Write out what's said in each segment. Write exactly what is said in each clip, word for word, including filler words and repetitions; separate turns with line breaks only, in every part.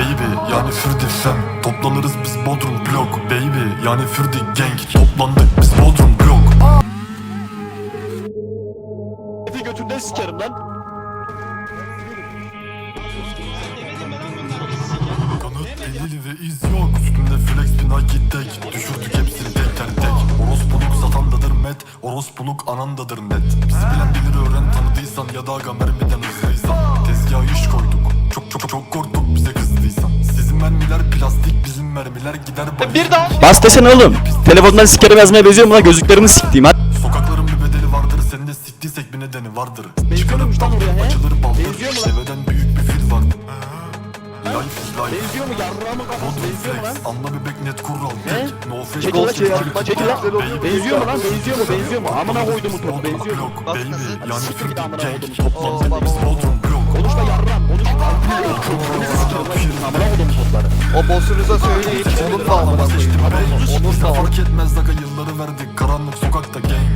baby yani Fürdi fem. Toplanırız biz Bodrum blok baby yani Fürdi gang. Toplandık biz Bodrum blok.
Efi götünden sikerim lan.
Kanıt delil ve iz yok. Üstümde flex bir Nike tek. Düşürdük hepsini tek tek tek. Orospuluk satandadır met. Orospuluk anandadır net. Bizi bilen bilir öğren tanıdıysan. Ya da aga mermiden hızlıysan. Tezgaha iş koyduk. Çok çok çok korktuk bize kızdıysan. Sizin mermiler plastik, bizim mermiler gider bana.
Bir daha.
Bas desene oğlum. Telefondan sikerim yazmaya benziyor mu lan, gözlüklerimi siktiğim hadi.
Sokakların bir bedeli vardır, senin de siktiysek bir nedeni vardır. Çıkarıp daldır, açılır baldır. Deveden büyük bir fil vardır. Life is life.
Benziyor mu yarrağımı kafası?
Bodrum
Benziyor mu lan?
flex, anla bebek net kural tek. No fake,
Çekil lan, çekil lan,
no
çekil lan.
fake.
Benziyor mu lan? Benziyor mu? Benziyor mu? Amına koydum bu topu. Benziyor mu?
Baby yani
Siktir git amına
Fürdi
koydum.
gang. Toplandık biz Bodrum blok.
Konuşma yarram. Konuşma. Amına koydum topları.
O bossunuza söyleyin. Onun da amına koyayım. Onun da
Fark etmez aga yılları verdik karanlık sokakta gang.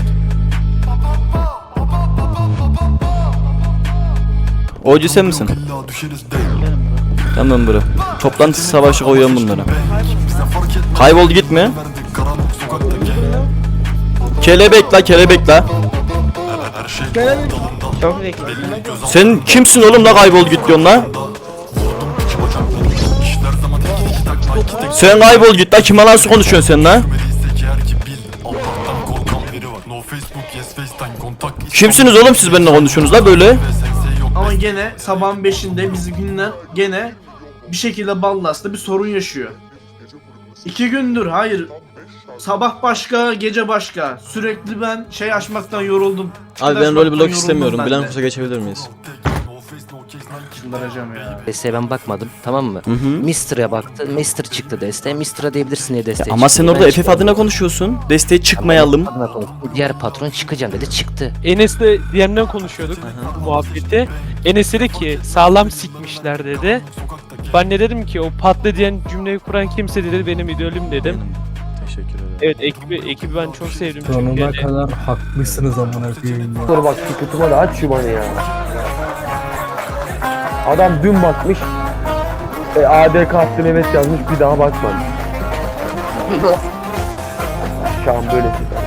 Oycu sen misin?
İlla düşeriz değil.
Tamam bro. Toplantı savaşı koyuyorum bunlara.
Bize fark etmez.
Kaybol gitme.
Verdik karanlık sokakta gang.
Kelebek la kelebek la.
Her şey dalından.
Çok bekle.
Belli göz
Sen kimsin oğlum la, kaybol git diyorsun la.
altında. Vurdum iki bacaklarını. İşler zaman iki iki takla iki tek.
Sen kaybol git la, kime nasıl konuşuyorsun sen la?
Görmediysek eğer ki bil. Allah'tan korkan biri var. No Facebook, yes FaceTime, kontak.
Kimsiniz oğlum siz benimle konuşuyorsunuz la böyle?
Ve sense yok.
Ama gene sabahın beşinde bizimkinden gene bir şekilde Ballas'ta bir sorun yaşıyor. İki gündür hayır. Sabah başka, gece başka. Sürekli ben şey açmaktan yoruldum.
Abi ben
Açmaktan
rol blok
yoruldum
istemiyorum.
ben
Bilen
de.
kursa geçebilir miyiz?
No face, no case, Nike.
Çıldıracağım ya.
Desteğe ben bakmadım, tamam mı?
Hı hı.
Mister'a baktı, Mister çıktı desteğe. Mister'a diyebilirsin diye desteğe
Ama
çıktı.
sen
Ben
orada F F
çıkmadım.
adına konuşuyorsun. Desteğe çıkmayalım.
Adına konuştu. Diğer patron çıkacağım dedi, çıktı.
Enes'le D M'den konuşuyorduk bu muhabbeti. Enes dedi ki sağlam sikmişler dedi. Ben de dedim ki o patlı diyen cümleyi kuran kimse dedi benim idolüm dedim.
Teşekkür ederim.
Evet ekibi ekibi ben çok sevdim çünkü
Sonuna
yani.
kadar haklısınız amına koyayım ya.
Dur bak şu kutumu da aç şu bana ya. Adam dün bakmış. E, A D K Mehmet yazmış bir daha bakmamış. Şu an böylesi.